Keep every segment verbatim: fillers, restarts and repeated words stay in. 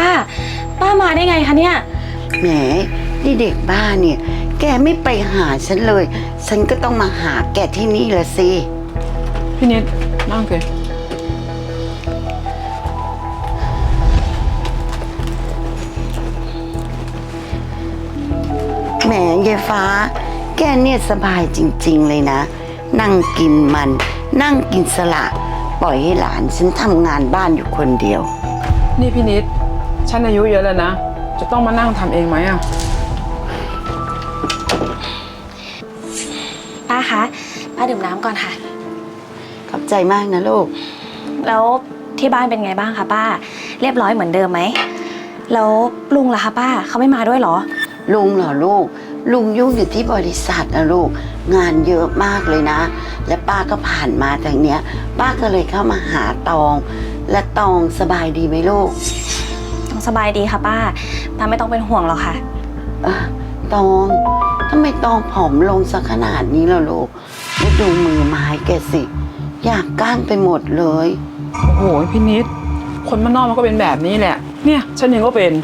ป้ามาได้ไงคะเนี่ยแหมนี่เด็กบ้านเนี่ยแกไม่ไปหาฉันเลยฉันก็ต้องมาหาแกที่นี่ละสิพี่นิดนั่งสิแหมยายฟ้าแกเนี่ยสบายจริงๆเลยนะนั่งกินมันนั่งกินสละปล่อยให้หลานฉันทำงานบ้านอยู่คนเดียวนี่พี่นิดฉันอายุเยอะแล้วนะจะต้องมานั่งทำเองไหมอ่ะป้าคะป้าดื่มน้ำก่อนค่ะขอบใจมากนะลูกแล้วที่บ้านเป็นไงบ้างคะป้าเรียบร้อยเหมือนเดิมไหมแล้วลุงล่ะคะป้าเขาไม่มาด้วยเหรอลุงเหรอลูกลุงยุ่งอยู่ที่บริษัทนะลูกงานเยอะมากเลยนะและป้าก็ผ่านมาทางเนี้ยป้าก็เลยเข้ามาหาตองและตองสบายดีไหมลูกตองสบายดีค่ะป้าป้าไม่ต้องเป็นห่วงหรอกค่ะเออตองทำไมตองผอมลงสักขนาดนี้ล่ะลูกแล้วดูมือไม้แกสิอยากก้านไปหมดเลยโอ้โหพี่นิดคนบ้านนอกมันก็เป็นแบบนี้แหละเนี่ยฉันเองก็เป็น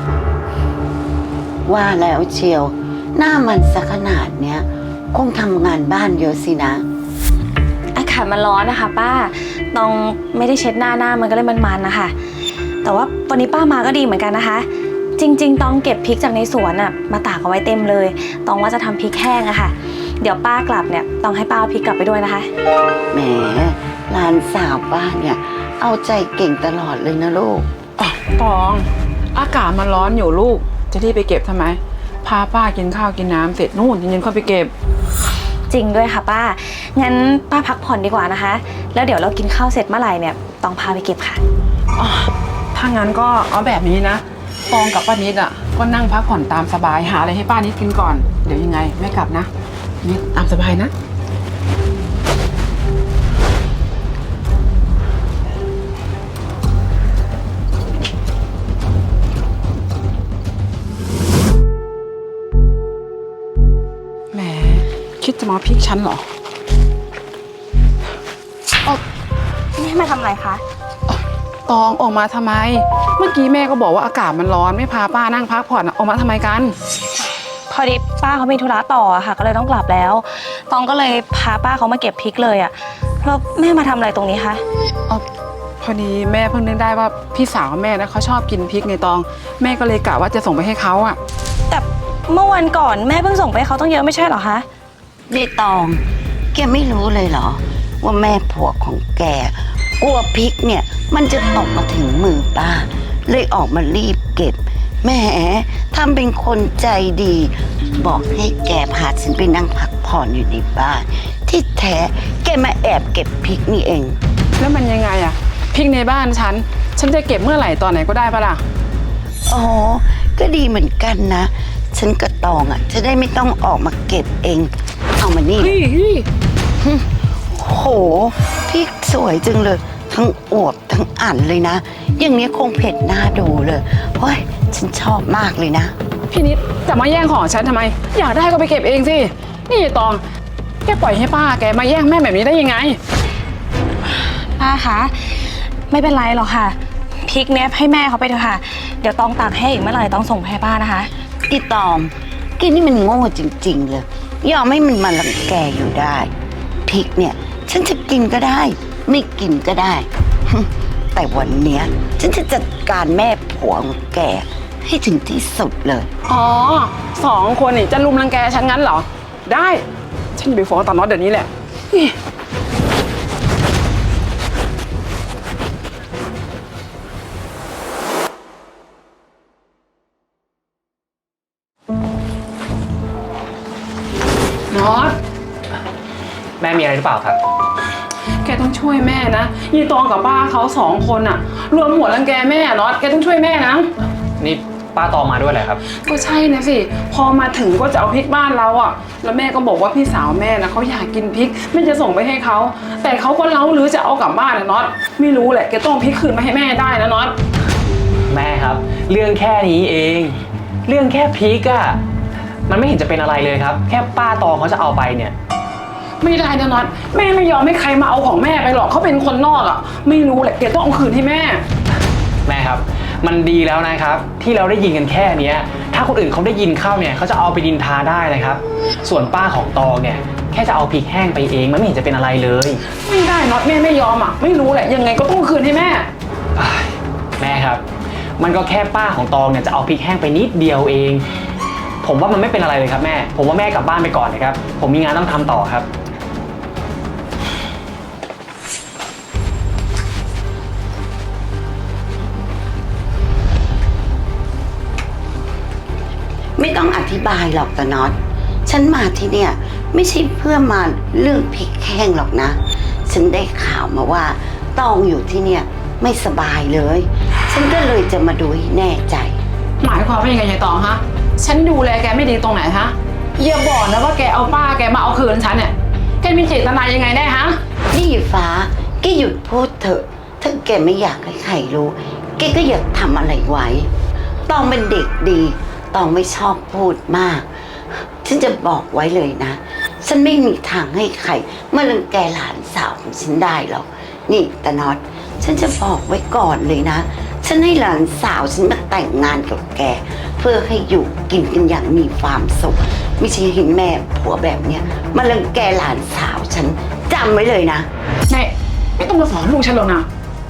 ว่าแล้วเชียวหน้ามันสักขนาดเนี้ยคงทำงานบ้านเยอะสินะอากาศมันร้อนนะคะป้าตองไม่ได้เช็ดหน้าหน้ามันก็เลยมันๆนะคะแต่ว่าวันนี้ป้ามาก็ดีเหมือนกันนะคะจริงๆตองเก็บพริกจากในสวนอะมาตากเอาไว้เต็มเลยตองว่าจะทำพริกแห้งอะค่ะเดี๋ยวป้ากลับเนี่ยตองให้ป้าเอาพริกกลับไปด้วยนะคะแหมหลานสาวป้าเนี่ยเอาใจเก่งตลอดเลยนะลูกอ๋อตองอากาศมันร้อนอยู่ลูกจะรีบไปเก็บทำไมพาป้ากินข้าวกินน้ำเสร็จนู่นเย็นๆค่อยไปเก็บจริงด้วยค่ะป้างั้นป้าพักผ่อนดีกว่านะคะแล้วเดี๋ยวเรากินข้าวเสร็จเมื่อไหร่เนี่ยตองพาไปเก็บค่ะอ๋อถ้างั้นก็เอาแบบนี้นะตองกับป้านิดอ่ะก็นั่งพักผ่อนตามสบายหาอะไรให้ป้านิดกินก่อนเดี๋ยวยังไงแม่กลับนะนิดตามสบายนะแหมคิดจะมาพริกฉันเหรอแม่มาทำอะไรคะตองออกมาทำไมเมื่อกี้แม่ก็บอกว่าอากาศมันร้อนไม่พาป้านั่งพักผ่อนออกมาทำไมกันพอดีป้าเขามีธุระต่อค่ะก็เลยต้องกลับแล้วตองก็เลยพาป้าเขามาเก็บพริกเลยอ่ะแล้วแม่มาทำอะไรตรงนี้คะอ๋อพอดีแม่เพิ่งนึกได้ว่าพี่สาวแม่นะเขาชอบกินพริกในตองแม่ก็เลยกะว่าจะส่งไปให้เขาอ่ะแต่เมื่อวันก่อนแม่เพิ่งส่งไปให้เขาต้องเยอะไม่ใช่เหรอคะนี่ตองแกไม่รู้เลยเหรอว่าแม่ผัวของแกกลัวพริกเนี่ยมันจะตกมาถึงมือป้าเลยออกมารีบเก็บแหมทำเป็นคนใจดีบอกให้แกพาฉันไปนั่งพักผ่อนอยู่ในบ้านที่แท้แกมาแอบเก็บพริกนี่เองแล้วมันยังไงอะพริกในบ้านฉันฉันจะเก็บเมื่อไหร่ตอนไหนก็ได้ปะล่ะอ๋อก็ดีเหมือนกันนะฉันกระตองอ่ะจะได้ไม่ต้องออกมาเก็บเองเอามานี่โหพริกสวยจังเลยทั้งอวบทั้งอั่นเลยนะอย่างนี้คงเผ็ดน่าดูเลยเฮ้ยฉันชอบมากเลยนะพี่นิดจะมาแย่งของฉันทำไมอยากได้ก็ไปเก็บเองสินี่ตองแกปล่อยให้ป้าแกมาแย่งแม่แบบนี้ได้ยังไงป้าคะไม่เป็นไรหรอกค่ะพริกเนี้ยให้แม่เขาไปเถอะค่ะเดี๋ยวตองตักให้อีกเมื่อไหร่ต้องส่งให้ป้านะคะอีตองกินนี่มันโง่จริงๆเลยยอมให้มันมาลังแกอยู่ได้พริกเนี่ยฉันจะกินก็ได้ไม่กินก็ได้แต่วันเนี้ยฉันจะจัดการแม่ผัวของแกให้ถึงที่สุดเลยอ๋อสองคนนี่จะลุมรังแกฉันงั้นเหรอได้ฉันจะไปฟ้องตาน็อตเดี๋ยวนี้แหละน็อตแม่มีอะไรหรือเปล่าครับแกต้องช่วยแม่นะยีตองกับป้าเขาสองคนอะรวมหัวรังแกแม่น็อตแกต้องช่วยแม่นะนี่ป้าตองมาด้วยเหรอครับก็ใช่นะสิพอมาถึงก็จะเอาพริกบ้านเราอะแล้วแม่ก็บอกว่าพี่สาวแม่นะเขาอยากกินพริกแม่จะส่งไปให้เขาแต่เขาก็เล้าหรือจะเอากลับบ้านนะน็อตไม่รู้แหละแกต้องพริกคืนมาให้แม่ได้นะน็อตแม่ครับเรื่องแค่นี้เองเรื่องแค่พริกอะมันไม่เห็นจะเป็นอะไรเลยครับแค่ป้าตองเขาจะเอาไปเนี่ยไม่ได้นะน็อตแม่ไม่ยอมให้ใครมาเอาของแม่ไปหรอกเขาเป็นคนนอกอ่ะไม่รู้แหละแกต้องเอาคืนให้แม่แม่ครับมันดีแล้วนะครับ ที่เราได้ยินกันแค่เนี้ยถ้าคนอื่นเขาได้ยินเข้าเนี่ยเขาจะเอาไปดินทาได้นะครับ ส่วนป้าของตองเนี่ยแค่จะเอาพริกแห้งไปเองมันไม่เห็นจะเป็นอะไรเลยไม่ได้น็อตแม่ไม่ยอมอ่ะไม่รู้แหละยังไงก็ต้องคืนให้แม่อ้ายแม่ครับ มันก็แค่ป้าของตองเนี่ยจะเอาพริกแห้งไปนิดเดียวเอง ผมว่ามันไม่เป็นอะไรเลยครับแม่ ผมว่าแม่กลับบ้านไปก่อนนะครับ ผมมีงานต้องทำต่อครับไม่ต้องอธิบายหรอกตาน็อตฉันมาที่เนี่ยไม่ใช่เพื่อมาเรื่องพริกแห้งหรอกนะ ฉันได้ข่าวมาว่าตองอยู่ที่เนี่ยไม่สบายเลย ฉันก็เลยจะมาดูให้แน่ใจหมายความว่ายังไงยายตองฮะฉันดูแลแกไม่ดีตรงไหนฮะอย่าบอกนะว่าแกเอาป้าแกมาเอาคืนฉันเนี่ยแกมีเจตนายังไงแน่ฮะนี่ฟ้าแกหยุดพูดเถอะ ถ้าแกไม่อยากให้ใครรู้ แกก็อย่าทำอะไรไว้ ตองเป็นเด็กดี ตองไม่ชอบพูดมาก ฉันจะบอกไว้เลยนะ ฉันไม่มีทางให้ใครมารังแกหลานสาวของฉันได้หรอก นี่ตาน็อต ฉันจะบอกไว้ก่อนเลยนะ ฉันให้หลานสาวฉันมาแต่งงานกับแก เพื่อให้อยู่กินกันอย่างมีความสุข ไม่ใช่เห็นแม่ผัวแบบเนี้ยมารังแกหลานสาวฉันจำไว้เลยนะแม่ไม่ต้องมาสอนลูกฉันหรอกนะ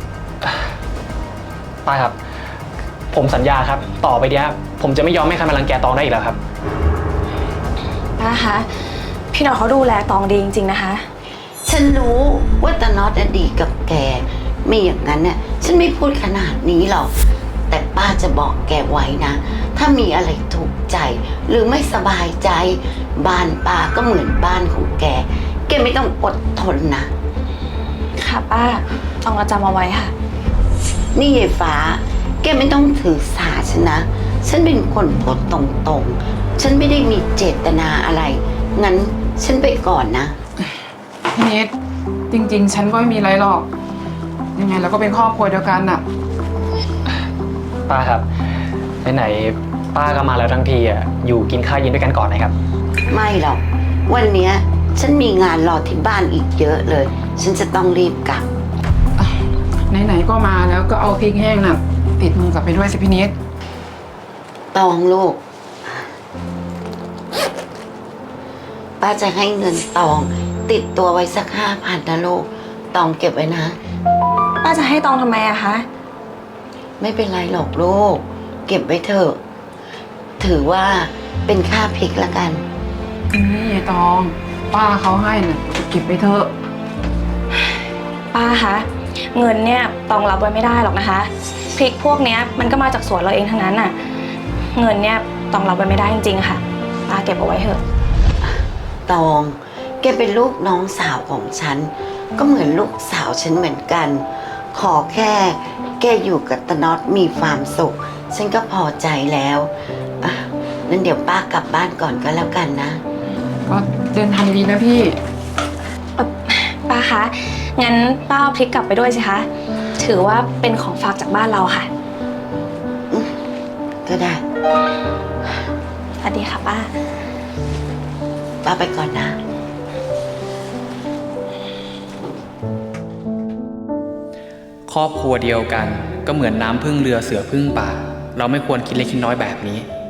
ป้าครับ ผมสัญญาครับ ต่อไปเนี้ยผมจะไม่ยอมให้ใครมารังแกตองได้อีกแล้วครับป้าคะพี่หน่อยเขาดูแลตองดีจริงๆนะคะฉันรู้ว่าตาน็อตน่ะดีกับแก ไม่อย่างนั้นน่ะฉันไม่พูดขนาดนี้หรอก แต่ป้าจะบอกแกไว้นะ ถ้ามีอะไรถูกใจ หรือไม่สบายใจ บ้านป้าก็เหมือนบ้านของแก แกไม่ต้องอดทนนะค่ะป้าตองจะจำเอาไว้ค่ะนี่ยายฟ้า แกไม่ต้องถือสาฉันนะ ฉันเป็นคนพูดตรงๆ ฉันไม่ได้มีเจตนาอะไร งั้นฉันไปก่อนนะพี่นิดจริงๆ ฉันก็ไม่มีอะไรหรอก ยังไงเราก็เป็นครอบครัวเดียวกันน่ะป้าครับไหนๆป้าก็มาแล้วทั้งทีอ่ะอยู่กินข้าวเย็นด้วยกันก่อนนะครับไม่หรอก วันเนี้ยฉันมีงานรอที่บ้านอีกเยอะเลย ฉันจะต้องรีบกลับไหนๆ ก็มาแล้วก็เอาพริกแห้งน่ะติดมือกลับไปด้วยสิพี่นิดตองลูก ป้าจะให้เงินตองติดตัวไว้สักห้าพันนะลูก ตองเก็บไว้นะป้าจะให้ตองทำไมอะคะไม่เป็นไรหรอกลูก เก็บไว้เถอะ ถือว่าเป็นค่าพริกละกันนี่ยายตอง ป้าเขาให้น่ะเก็บไปเถอะป้าคะเงินเนี่ยตองรับไว้ไม่ได้หรอกนะคะพริกพวกเนี้ยมันก็มาจากสวนเราเองทั้งนั้นน่ะเงินเนี่ยตองรับไว้ไม่ได้จริงๆค่ะป้าเก็บเอาไว้เถอะตอง แกเป็นลูกน้องสาวของฉัน ก็เหมือนลูกสาวฉันเหมือนกัน ขอแค่แกอยู่กับตาน็อตมีความสุข ฉันก็พอใจแล้วอ่ะนั้นเดี๋ยวป้ากลับบ้านก่อนก็แล้วกันนะก็เดินทางดีนะพี่เอ่อป้าคะงั้นป้าเอาพริกกลับไปด้วยสิคะถือว่าเป็นของฝากจากบ้านเราค่ะก็ได้สวัสดีค่ะป้าป้าไปก่อนนะครอบครัวเดียวกันก็เหมือนน้ำพึ่งเรือเสือพึ่งป่า เราไม่ควรคิดเล็กคิดน้อยแบบนี้